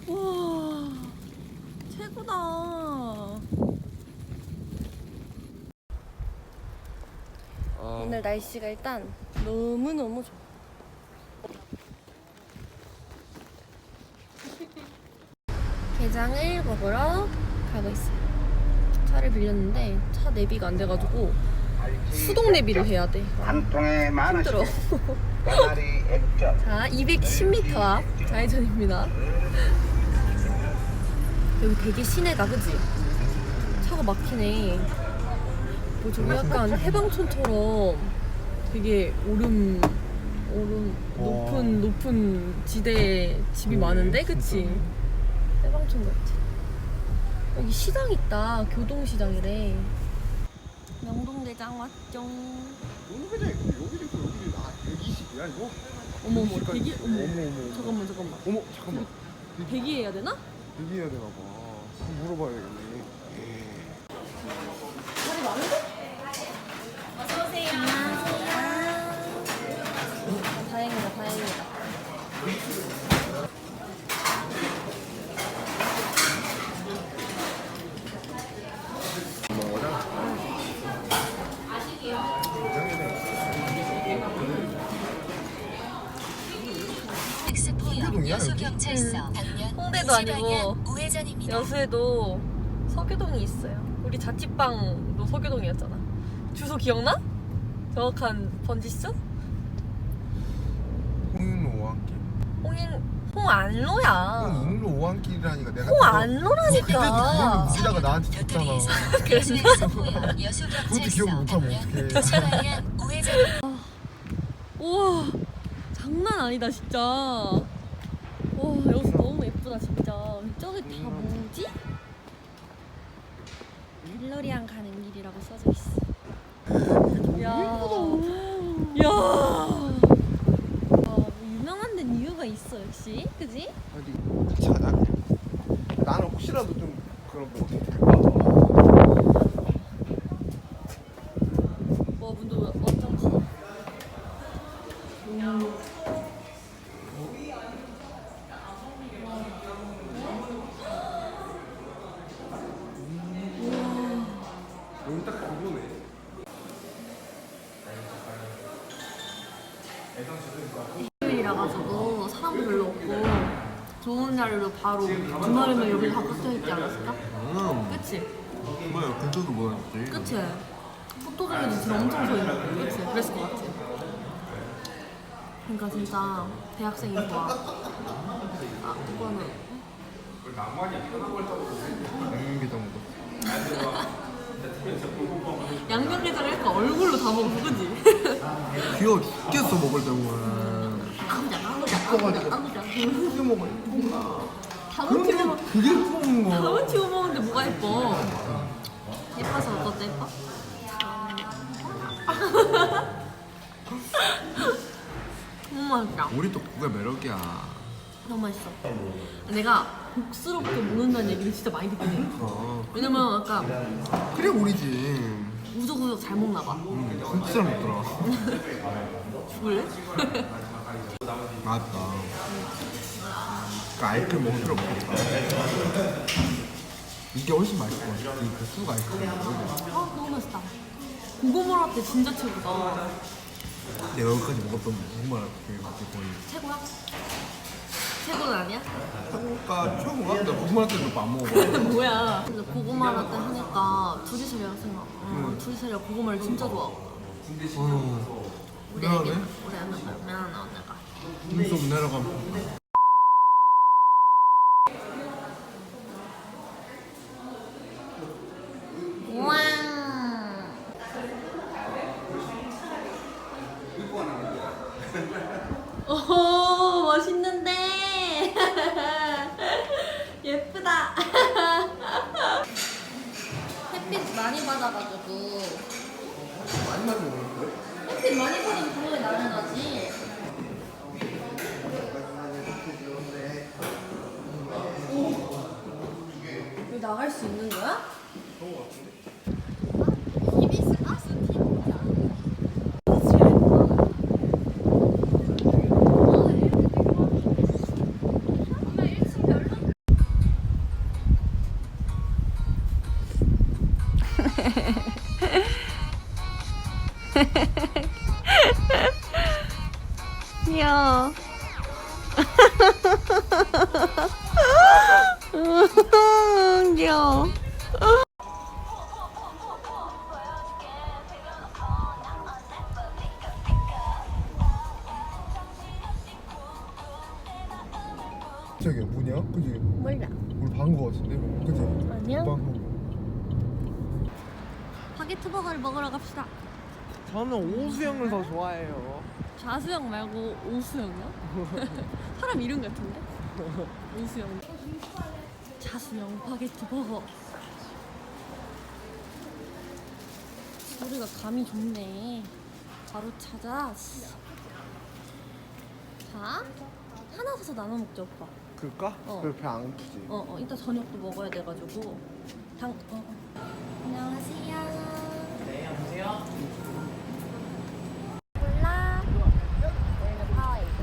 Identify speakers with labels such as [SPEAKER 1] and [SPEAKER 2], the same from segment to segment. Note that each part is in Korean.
[SPEAKER 1] 와, 최고다. 오늘 날씨가 일단 너무너무 좋아. 게장을 먹으러 가고 있어요. 차를 빌렸는데 차 내비가 안 돼가지고 수동 내비를 해야 돼. 힘들어. 자, 210m 앞 좌회전입니다. 여기 되게 시내다, 그치? 차가 막히네. 뭐 저기 약간 해방촌처럼 되게 높은 지대에 집이 많은데, 그치? 해방촌 같지? 여기 시장 있다. 교동시장이래. 명동대장 왔죠.
[SPEAKER 2] 명동대장이 여기도 있고 여기도 120이야 이거?
[SPEAKER 1] 어머머, 대기? 어머.
[SPEAKER 2] 어머.
[SPEAKER 1] 잠깐만.
[SPEAKER 2] 어머 잠깐만.
[SPEAKER 1] 대기해야 되나?
[SPEAKER 2] 대기해야 되나 봐. 한번 물어봐야 되겠네.
[SPEAKER 1] 자리 많은데? 어서오세요. 안녕하세요. 다행이다. 홍대도 아니고 여수에도 서교동이 있어요. 우리 자취방도 서교동이었잖아. 주소 기억나? 정확한 번지수?
[SPEAKER 2] 홍인로 오한길.
[SPEAKER 1] 홍안로야.
[SPEAKER 2] 홍인로 오한길이라니까 내가.
[SPEAKER 1] 홍안로라니까.
[SPEAKER 2] 우리다가 나한테 줬잖아.
[SPEAKER 1] 그랬나?
[SPEAKER 2] 그것도 기억 못하면 어떡해.
[SPEAKER 1] 우와, 장난 아니다 진짜. 와, 여기 너무 예쁘다 진짜. 저기 다 뭐지? 갤러리안 가는 길이라고 써져 있어. 야, 뭐 유명한 데는 이유가 있어 역시, 그지?
[SPEAKER 2] 어디 같이 가자. 나는 혹시라도 좀 그런 거 어떻게 될까?
[SPEAKER 1] 와, 문도 완전 커.
[SPEAKER 2] 여기 딱 그거네.
[SPEAKER 1] 일요일이라 가지고 사람도 별로 없고 좋은 자리로 바로 주말이면 여기 다 붙어 있지 않았을까? 그치?
[SPEAKER 2] 뭐야 근처도 뭐였지?
[SPEAKER 1] 그치? 포토존에도 지금 엄청 서 있는 거 그치? 그랬을 것 같아. 그러니까 진짜 대학생이 좋아. 아, 이거는
[SPEAKER 2] 양념게장도.
[SPEAKER 1] 양념게장을 할까 얼굴로 다 먹어, 그치?
[SPEAKER 2] 귀여워 죽겠어 먹을 때는.
[SPEAKER 1] 아무자.
[SPEAKER 2] 크게 먹어야
[SPEAKER 1] 다못 튀워.
[SPEAKER 2] 그게 예쁜 거.
[SPEAKER 1] 다못 튀워 먹는데 뭐가 예뻐? 예뻐서 어떻대 예뻐? 너무 맛있다.
[SPEAKER 2] 우리 또 그게 매력이야.
[SPEAKER 1] 너무 맛있어. 내가 복스럽게 먹는다는 얘기를 진짜 많이 듣긴 해. 왜냐면 아까
[SPEAKER 2] 그래 우리지.
[SPEAKER 1] 우적우적 잘 먹나 봐.
[SPEAKER 2] 진짜 잘 먹더라.
[SPEAKER 1] 죽을래?
[SPEAKER 2] 맞다. 그 아이크림 먹을 필요 없겠다. 이게 훨씬 맛있을 것 같아. 이 수가 아이크림.
[SPEAKER 1] 아, 너무 맛있다. 고구마라떼 진짜 최고다.
[SPEAKER 2] 내가 여기까지 먹었던 정말 그게 거의
[SPEAKER 1] 최고야? 최고는 아니야?
[SPEAKER 2] 최고가 최고가? 내가 고구마라떼도 안 먹어봐.
[SPEAKER 1] 뭐야? 근데 고구마라떼 하니까 둘이서리가 생각. 둘이서리가 고구마를 진짜 좋아하고. 우리 애기,
[SPEAKER 2] 미안하네.
[SPEAKER 1] 우리 애기가 미안하네 언니가.
[SPEAKER 2] 눈썹 내려가면
[SPEAKER 1] 우와. 오, 멋있는데. 예쁘다. 햇빛 많이 받아가지고.
[SPEAKER 2] 많이 먹는데?
[SPEAKER 1] 햇빛 많이 받으면 당연히 나는 나지. 여기 나갈 수 있는 거야?
[SPEAKER 2] 그런 거 같은데?
[SPEAKER 1] 귀여워.
[SPEAKER 2] 저기 뭐냐? 그지?
[SPEAKER 1] 몰라.
[SPEAKER 2] 우리 방거 같은데? 그지?
[SPEAKER 1] 아니야.
[SPEAKER 2] 방거.
[SPEAKER 1] 바게트 버거를 먹으러 갑시다.
[SPEAKER 2] 저는 오수영을 더 좋아해요.
[SPEAKER 1] 좌수영 말고 오수영이요? 사람 이름 같은데? 오수영. 좌수영 바게트 버거. 소리가 감이 좋네. 바로 찾아. 자, 하나 사서 나눠 먹자 오빠.
[SPEAKER 2] 그럴까?
[SPEAKER 1] 어.
[SPEAKER 2] 그래 배안 고프지.
[SPEAKER 1] 이따 저녁도 먹어야 돼가지고. 안녕하세요.
[SPEAKER 3] 네, 안녕하세요.
[SPEAKER 1] 몰라. 여기는 파와이드.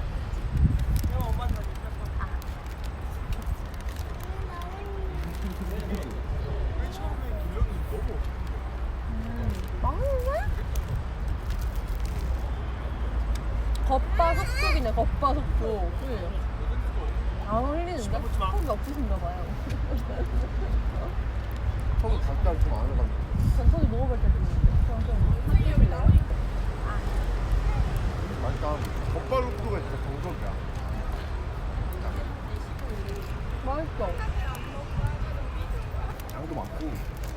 [SPEAKER 1] 맛있네? 겉바속촉이네, 겉바속촉. 안 흘리는데? 속이 없으신가 봐요.
[SPEAKER 2] 저도 닭다리 좀 안 해봤는데.
[SPEAKER 1] 전 속이 먹어볼 때도 있는데. 그럼 좀 합격이래요.
[SPEAKER 2] 맛있다. 겉바로크가 진짜 정석이야.
[SPEAKER 1] 맛있어.
[SPEAKER 2] 양도 많고.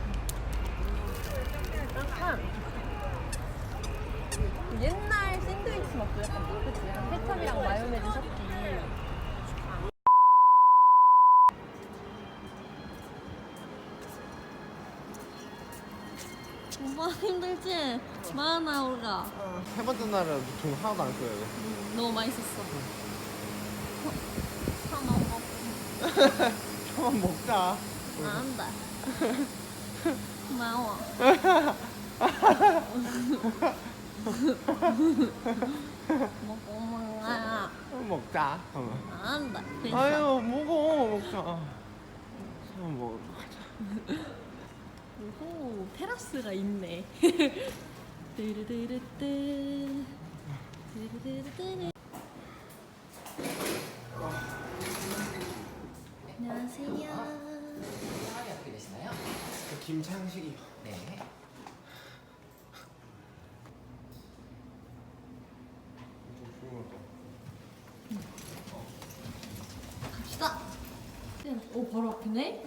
[SPEAKER 1] 약간 옛날 샌드위치 맛도 약간 그치? 약간 케첩이랑 마요네즈 섞기. 오빠 힘들지? 많아 우리가.
[SPEAKER 2] 세 번째 날은 돈 하나도 안 써야 돼.
[SPEAKER 1] 너무 맛있었어. 사 먹어.
[SPEAKER 2] 한번 먹자.
[SPEAKER 1] 안 돼. 고마워. 먹고 먹어.
[SPEAKER 2] 한번 먹자.
[SPEAKER 1] 안 돼. 됐어.
[SPEAKER 2] 아유 먹어 먹자. 한번 먹어.
[SPEAKER 1] 오호, 테라스가 있네. 뚜루루루뚜. 뚜루루루뚜. 안녕하세요.
[SPEAKER 3] 성함이 어떻게 되시나요?
[SPEAKER 2] 김창식이요.
[SPEAKER 3] 네.
[SPEAKER 1] 갑시다. 오, 바로 앞이네?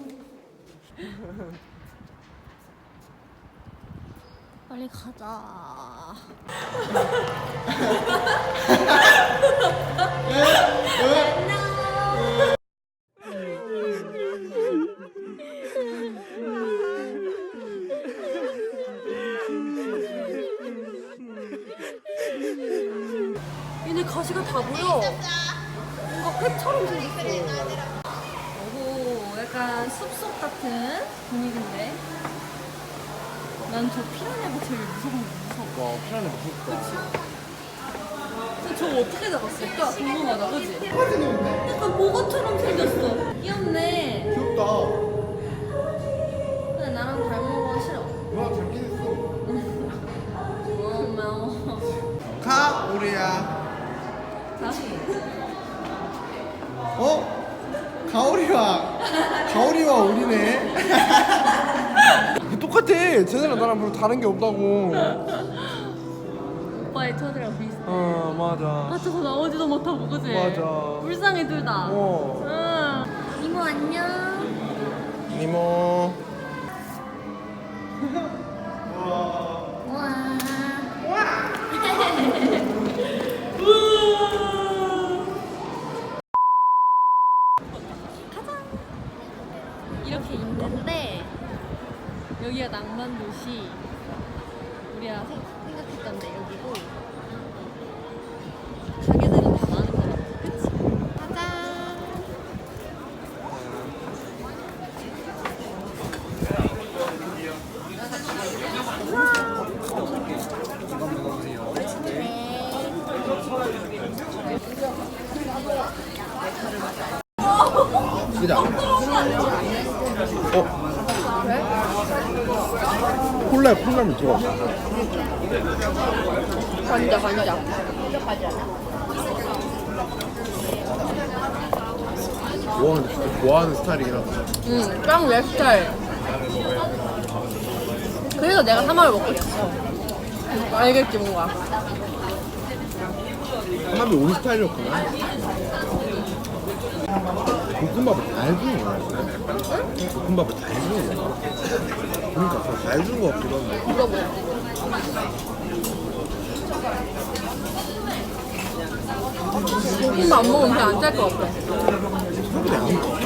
[SPEAKER 1] 빨리 가자. 얘네 가시가 다 보여. 뭔가 팩처럼 생겼어. 오, 약간 숲속 같은 분위기인데. 난 저 피라냐가 제일 무서워.
[SPEAKER 2] 와 피라냐 무섭다.
[SPEAKER 1] 근데 저거 어떻게 잡았을까? 궁금하다, 그지? 약간 보고처럼 생겼어. 귀엽네.
[SPEAKER 2] 귀엽다.
[SPEAKER 1] 근데 나랑 닮은 거 싫어.
[SPEAKER 2] 누나 닮긴 했어.
[SPEAKER 1] 고마워.
[SPEAKER 2] 가 우리야.
[SPEAKER 1] 다시.
[SPEAKER 2] 어? 가오리와 우리네. 똑같아. 쟤네랑 나랑 별로 다른 게 없다고.
[SPEAKER 1] 오빠의 첫이랑 비슷해.
[SPEAKER 2] 맞아.
[SPEAKER 1] 아, 저거 나오지도 못하고, 그지?
[SPEAKER 2] 맞아.
[SPEAKER 1] 불쌍해, 둘 다. 응. 이모, 안녕.
[SPEAKER 2] 이모.
[SPEAKER 1] 우와. 이렇게 있는데 여기가 낭만도시. 우리가 생각했던 데 여기고 가게들은 다 많은 것 같아. 그치? 가자.
[SPEAKER 2] 그자. 콜라에 콩나물 들어갔어.
[SPEAKER 1] 관자.
[SPEAKER 2] 와 근데 진짜 좋아하는 스타일이긴 하다.
[SPEAKER 1] 응, 딱 내 스타일. 그래서 내가 사마를 먹고 싶어. 알겠지 뭔가.
[SPEAKER 2] 사람이 우리 스타일이었구나. 볶음밥을 다 해주는 거야. 볶음밥을 다 해주는 거야. 그러니까 다 해주는 거 같기도 한데.
[SPEAKER 1] 이거 뭐? 볶음밥 안 먹으면 그냥 안 짤 것 같아.
[SPEAKER 2] 사람들이 안 먹어.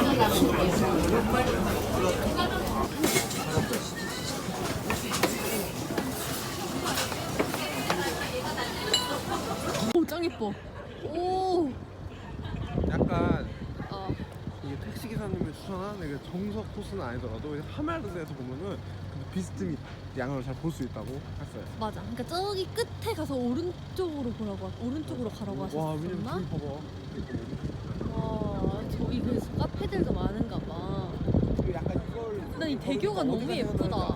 [SPEAKER 1] 오, 짱 예뻐. 오.
[SPEAKER 2] 약간
[SPEAKER 1] 어.
[SPEAKER 2] 이게 택시 기사님이 추천한 이게 정석 코스는 아니더라도 하멜드에서 보면은 그 비스듬히 양을 잘 볼 수 있다고 했어요.
[SPEAKER 1] 맞아. 그러니까 저기 끝에 가서 오른쪽으로 보라고 오른쪽으로 가라고
[SPEAKER 2] 와 왜냐면
[SPEAKER 1] 하셨었나?
[SPEAKER 2] 저기 봐봐.
[SPEAKER 1] 와, 저기 그래서 카페들도 많은가 봐.
[SPEAKER 2] 그 약간 이걸.
[SPEAKER 1] 난 이 대교가 너무 예쁘다.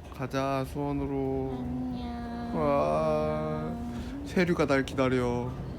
[SPEAKER 2] 가자 수원으로.
[SPEAKER 1] 안녕.
[SPEAKER 2] 와 세류가 날 기다려.